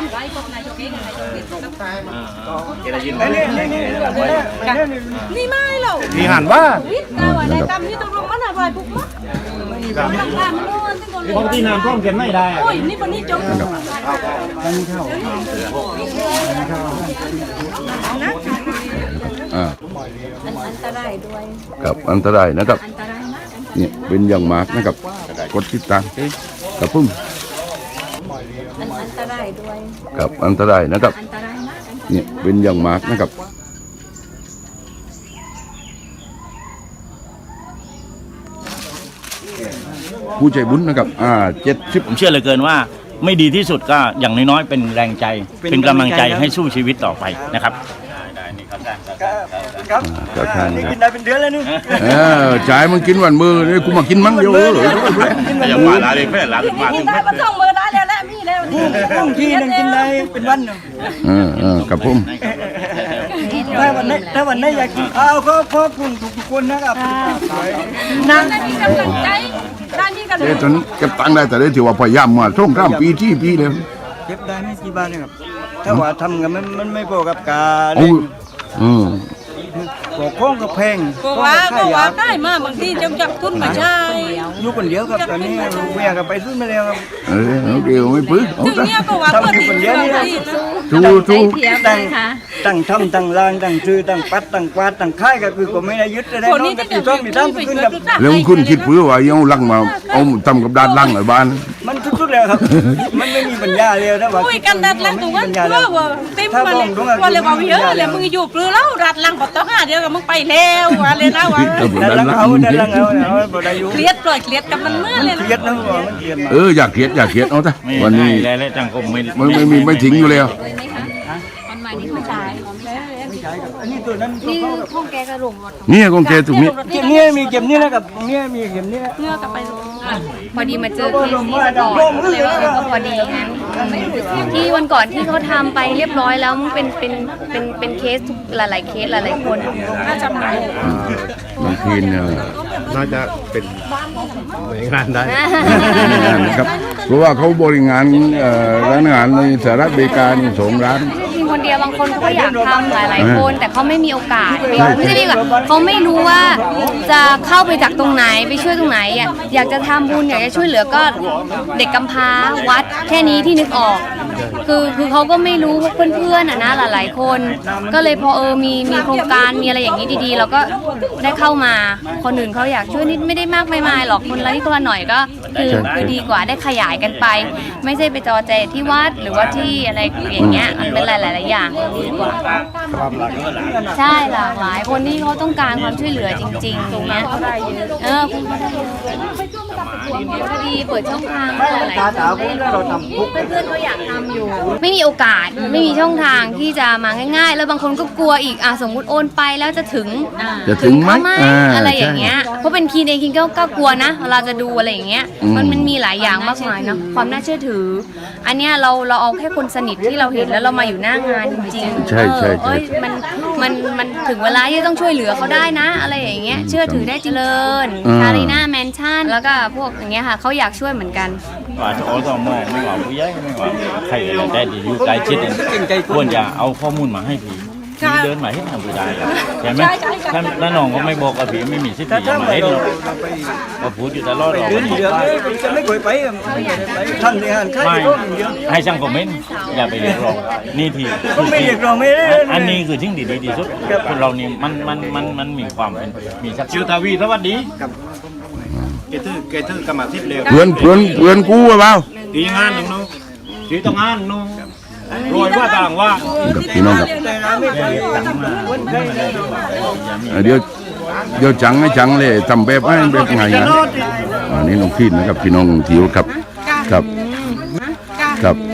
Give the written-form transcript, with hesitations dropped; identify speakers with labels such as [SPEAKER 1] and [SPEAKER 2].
[SPEAKER 1] ไว้พบนายกเองนายกนี่นี่ไม่หรอก
[SPEAKER 2] มีหันว่า
[SPEAKER 1] วิทย์แต่ว่าในกรรมที่ต้องลงมันอะไรปุ๊บมั้งต้องทำโน่นที่คน
[SPEAKER 2] บางทีน้ำท่วมเก็บไม่ได้
[SPEAKER 1] โอ้ยนี่วันนี้จบ อันตรายด้วย
[SPEAKER 3] กับอันตรายนะครับ
[SPEAKER 1] อันตรายมาก
[SPEAKER 3] เนี่ยเป็นอย่างมากนะครับกดติดตามกับพุ่ม
[SPEAKER 1] อันตรายด้วย
[SPEAKER 3] กับอันตรายนะครับ
[SPEAKER 1] อันตรายมาก
[SPEAKER 3] เนี่ยเป็นอย่างมากนะครับผู้ใจบุญนะครับ70
[SPEAKER 4] ผมเชื่อเหลือเกินว่าไม่ดีที่สุดก็อย่างน้อยๆเป็นแรงใจเป็นกำลังใจให้สู้ชีวิตต่อไปนะครับ
[SPEAKER 3] ก็ทาน
[SPEAKER 2] นี่กินได้เป็นเดือนแล้วนี่
[SPEAKER 3] จ่ายมึงกินวันมือนี่กูมากินมั้งเดียว
[SPEAKER 4] อย่างว่าลาเลยแม่ลาเป็นมา
[SPEAKER 1] กินได้มาส่งมือได้แล้วแหละมีแล้วนี่
[SPEAKER 2] บางทีนึงกินได้เป็นวันเนาะ
[SPEAKER 3] กับพุ่ม
[SPEAKER 2] ถ้าวันไหนอยากกินข้าวก็ขอบคุณทุกคนนะครับ
[SPEAKER 1] นั่นนี่กำลังใจด้านนี้กำลัง
[SPEAKER 3] ตอนนี้เก็บตังค์ได้แต่ได้ถือว่าพยายามมาช่วงข้ามปีที่ปีเลย
[SPEAKER 2] เก็บได้ไม่กี่บาทนะครับถ้าว่าทำกันมันไม่พอกับการ
[SPEAKER 3] โอ้
[SPEAKER 2] บอกข้องกับแพง
[SPEAKER 1] ก็ว่าได้มาบางทีจงจับทุนมาใช้
[SPEAKER 2] อยู่คนเดียวครับตอนนี้เมียก็ไปซื้อมาแล้วครับ
[SPEAKER 3] เดี๋ยวไม่ปื้อ
[SPEAKER 1] ถึงเนี้ยก็ว่าเพื่อนคนเดียวนี่
[SPEAKER 2] ตั้งทำตั้งล่างตั้งซื้อตั้งปัดตั้งกวาดตั้งค่ายก็คือก็ไม่ได้ยึดได้
[SPEAKER 1] คน
[SPEAKER 2] น้อ
[SPEAKER 1] นี้
[SPEAKER 2] งกับ
[SPEAKER 1] จะ
[SPEAKER 2] ตีต้อมตีตั้มขึ้นกับ
[SPEAKER 3] แล้วคุณคิดปื้อว่าเอาลังมาเอาทำกับด้านล่างหน่อยบ้าน
[SPEAKER 2] มันทุกๆแล้วครับมันไม่มีปัญญาเลยนะว่า
[SPEAKER 1] คุยกันดัดลังตรงนั้นเพื่อว่าติ้มมาเลยว่าเลยว่าเยอะเลยมึงอยู่ปลื้แล้วรัดลังปต่อ5เดียวกับมึงไปแล้วว่าเลยนะว่า
[SPEAKER 2] ดันลังเอาบ่ได้อยู่
[SPEAKER 1] เครียดปล่อยเครียดกับมันเมื่อเลย
[SPEAKER 2] เครียดนะมันเครียดมา
[SPEAKER 3] อยากเขียดเอาซะวันนี้
[SPEAKER 4] และจังคมไม่
[SPEAKER 3] ไม่ทิ้งอยู่แล้ว
[SPEAKER 1] คนใหม่นี่ไม่ใช่
[SPEAKER 2] อันนี้ตัวนั้น
[SPEAKER 1] นี่ห้องแกกระหลงหมด
[SPEAKER 3] นี่กองแกถูกนี้
[SPEAKER 2] เก็บนี้มีเก็บนี้แล้วกับนี้มีเก็บนี้
[SPEAKER 1] เงือกกับไป
[SPEAKER 5] พอดีมาเจอเคสนี้ก่อนเลยว่าก็พอดีงั้นที่วันก่อนที่เขาทำไปเรียบร้อยแล้วมันเป็นเคสทุกหลายๆเคสหลายๆคน
[SPEAKER 1] น่าจะไหน
[SPEAKER 3] บางทีเนี่ย
[SPEAKER 6] น่าจะเป็นหน่วยงานได้
[SPEAKER 3] นะครับเพราะว่าเขาบริงานร้านอาหารในสหรัฐอเมริกานี่2 ร้าน
[SPEAKER 5] จริงคนเดียวบางคนเขาก็อยากทำหลายๆคน แต่เขาไม่มีโอกาสไม่ใช่ดีกว่าเขาไม่รู้ว่าจะเข้าไปจากตรงไหนไปช่วยตรงไหนอ่ะอยากจะทำบุญอยากจะช่วยเหลือก็เด็กกำพร้าวัดแค่นี้ที่นึกออกคือเขาก็ไม่รู้เพื่อนๆอ่ะนะหลายๆคนก็เลยพอมีโครงการมีอะไรอย่างนี้ดีๆเราก็ได้เข้ามาคนอื่นเขาอยากช่วยนิดไม่ได้มากไม่มายหรอกคนละนิดคนละหน่อยก็คือดีกว่าได้ขยายกันไป ไม่ใช่ไปจอแจที่วัดหรือว่าที่อะไรอย่างเงี้ยมันเป็นหลายๆอย่างดีกว่าใช่หลากหลายคนที่เขาต้องการความช่วยเหลือจริงๆตรงเนี้ยคุณพอดีเปิดช่องทางหลายๆคนเพื่อนๆเขาอยากทำอยู่ไม่มีโอกาสไม่มีช่องทางที่จะมาง่ายๆแล้วบางคนก็กลัวอีกสมมุติโอนไปแล้วจะถึงไหมอะไรอย่างเงี้ยเพราะเป็นคีนเองคีนก็กลัวนะเวลาจะดูอะไรอย่างเงี้ยมันมีหลายอย่างมากมายเนาะความน่าเชื่อถืออันเนี้ยเราเอาแค่คนสนิทที่เราเห็นแล้วเรามาอยู่หน้างานจริงๆ
[SPEAKER 3] ใช่
[SPEAKER 5] มันถึงเวลาที่ต้องช่วยเหลือเขาได้นะอะไรอย่างเงี้ยเชื่อถือได้เจริญคารีนาแมนชั่นแล้วก็พวกอย่างเงี้ยค่ะเขาอยากช่วยเหมือนกัน
[SPEAKER 4] ว่าจะเอาต่อมอไม่ว่าผู้ใหญ่ไม่ว่าใครก็ได้ดีอยู่ใกล้ชิดควรจะเอาข้อมูลมาให้ผีเดินมาให้ทำผู้ใดใช่ไหมถ้าน้องก็ไม่บอกกับผีไม่มีสิทธิ์จะมาให้หรอกก็พูดอยู่ตลอดหรอก
[SPEAKER 2] เดือนเดียวจะไม่เคยไปท่านในงานค่าย
[SPEAKER 4] ไม่ให้ช่างคอมเมนต์อย่าไปเรียกร้องนี่ที
[SPEAKER 2] ไม่เรียกร้องไม่ได้
[SPEAKER 4] อันนี้คือสิ่งดีที่สุดคนเรานี่มันมีความเป็นมีสักชื่อทวีสวัสดีเกตื้อกรรมทิพย์เร็ว
[SPEAKER 3] เพื่อนกูเปล่า
[SPEAKER 4] ตีงานหนึ่งนู้ตีต้องงานนู้รวยว่าต่างว่า
[SPEAKER 3] พี่น้องครับเดี๋ยวจังให้จังเลยทำแบบให้แบบไงนะนี่น้องพี่นะครับพี่น้องทิวครับ